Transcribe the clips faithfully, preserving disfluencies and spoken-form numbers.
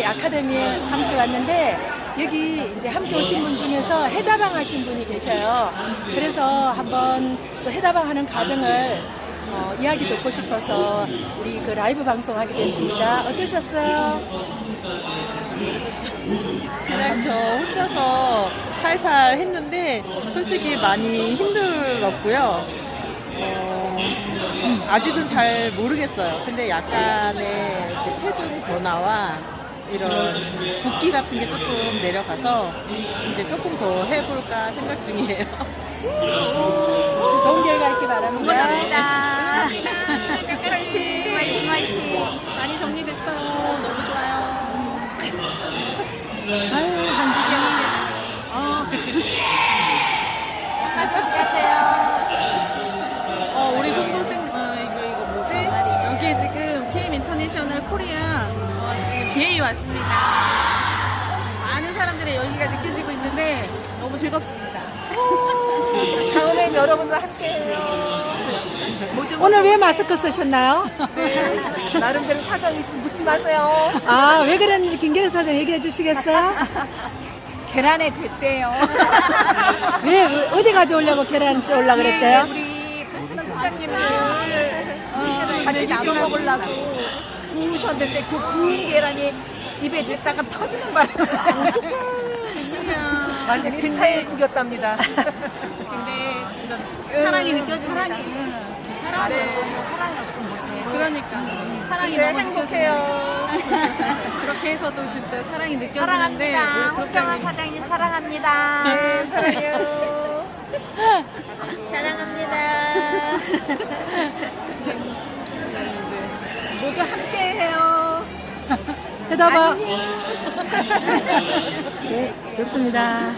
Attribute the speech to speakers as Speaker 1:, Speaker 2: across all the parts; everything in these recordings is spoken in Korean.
Speaker 1: 아카데미에 함께 왔는데 여기 이제 함께 오신 분 중에서 해다방 하신 분이 계셔요. 그래서 한번 또 해다방 하는 과정을 어, 이야기 듣고 싶어서 우리 그 라이브 방송하게 됐습니다. 어떠셨어요?
Speaker 2: 그냥 저 혼자서 살살 했는데 솔직히 많이 힘들었고요. 어, 아직은 잘 모르겠어요. 근데 약간의 이제 체중 변화와 이런 붓기 같은 게 조금 내려가서 이제 조금 더 해볼까 생각 중이에요.
Speaker 1: 좋은 결과 있기 바랍니다.
Speaker 2: 응원합니다. 화이팅! 화이팅! 화이팅! 많이 정리됐어요. 너무 좋아요.
Speaker 1: 아유, 한지경.
Speaker 2: 어,
Speaker 1: 한마디씩 하세요.
Speaker 3: 어, 우리 송도생, 어, 이거, 이거 뭐지? 여기에 지금 피엠 인터내셔널 코리아, 어, 지금 비에이 왔습니다. 많은 사람들의 열기가 느껴지고 있는데 너무 즐겁습니다.
Speaker 1: 다음엔 여러분과 함께해요. 오늘 왜 마스크 쓰셨나요?
Speaker 2: 나름대로 사정이 있으면 묻지 마세요.
Speaker 1: 아, 왜 그랬는지 김계수 사장 얘기해 주시겠어요?
Speaker 2: 계란에 됐대요.
Speaker 1: 왜, 어디 가져오려고 계란 쪄올라 그랬대요?
Speaker 2: 우리 베트남 사장님을 어, 같이 나눠 먹으려고 구우셨는데 그 구운 계란이 입에 넣다가 터지는 바람에 완전히 스타일 구겼답니다.
Speaker 3: 근데 진짜 사랑이 느껴집니다. 사랑이. 사랑이.
Speaker 1: 사랑이 없으면 못해요.
Speaker 3: 그러니까. 사랑이
Speaker 2: 네,
Speaker 3: 너무
Speaker 2: 행복해요.
Speaker 3: 느껴집니다. 그렇게 해서도 진짜 사랑이 느껴지는데, 우리 국장님.
Speaker 1: 사장님 사랑합니다.
Speaker 2: 네, 사랑해요.
Speaker 1: 사랑합니다.
Speaker 2: 모두 함께해요.
Speaker 1: 해다봐. 네, 좋습니다.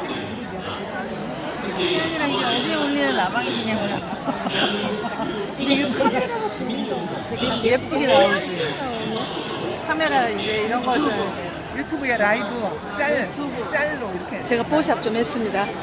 Speaker 3: 이랑 이게 어디에 올리는 라방이 그냥 올라. 근데 이거 카메라가 되게 예쁘게 나오지. 카메라 이제 이런 것을.
Speaker 4: 유튜브에 라이브 짤, 짤로 이렇게
Speaker 1: 제가 뽀샵 좀 했습니다.